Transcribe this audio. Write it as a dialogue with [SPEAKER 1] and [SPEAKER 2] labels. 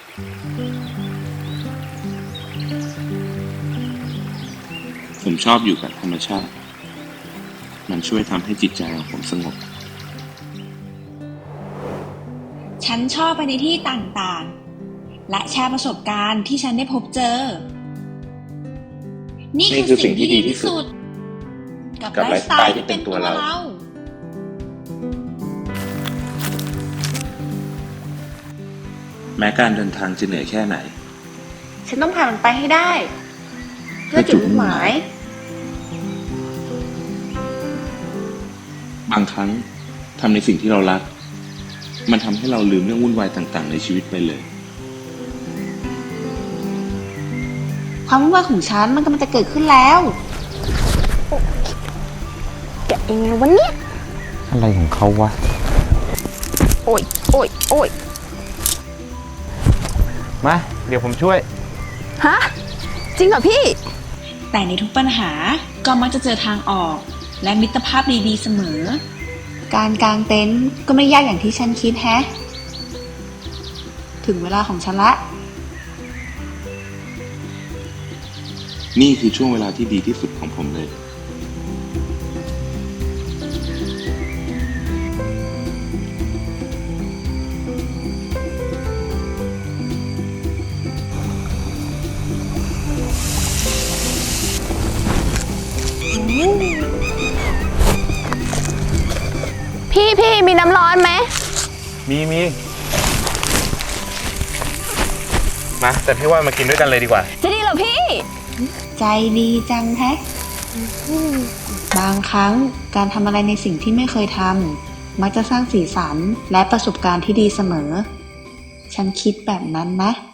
[SPEAKER 1] ผมชอบอยู่กับธรรมชาติมันช่วยทำให้จิตใจของผมสงบ
[SPEAKER 2] ฉันชอบไปในที่ต่างๆและแชร์ประสบการณ์ที่ฉันได้พบเจอนี่คือสิ่งที่ดีที่สุดกับไลฟ์สไตล์ที่เป็นตัวเรา
[SPEAKER 1] แม้การเดินทางจะเหนื่อยแค่ไหน
[SPEAKER 3] ฉันต้องผ่านมันไปให้ได้เพื่อจุดมุ่งหมาย
[SPEAKER 1] บางครั้งทำในสิ่งที่เรารักมันทำให้เราลืมเรื่องวุ่นวายต่างๆในชีวิตไปเลย
[SPEAKER 3] ความวุ่นวายของฉันมันกำลังจะเกิดขึ้นแล้วแกะยังไงวะเนี่ย
[SPEAKER 4] อะไรของเขาวะ
[SPEAKER 3] โอ้ยโอ้ยโอ้ย
[SPEAKER 4] มาเดี๋ยวผมช่วย
[SPEAKER 3] ฮะจริงเหรอพี่
[SPEAKER 2] แต่ในทุกปัญหาก็มักจะเจอทางออกและมิตรภาพดีๆเสมอการกางเต็นท์ก็ไม่ยากอย่างที่ฉันคิดแฮะถึงเวลาของฉันละ
[SPEAKER 1] นี่คือช่วงเวลาที่ดีที่สุดของผมเลย
[SPEAKER 3] พี่มีน้ำร้อนไหม
[SPEAKER 4] มีมาแต่พี่ว่ามากินด้วยกันเลยดีกว่า
[SPEAKER 3] จะดีเหรอพี่
[SPEAKER 2] ใจดีจังแฮะบางครั้งการทำอะไรในสิ่งที่ไม่เคยทำมักจะสร้างสีสันและประสบการณ์ที่ดีเสมอฉันคิดแบบนั้นนะ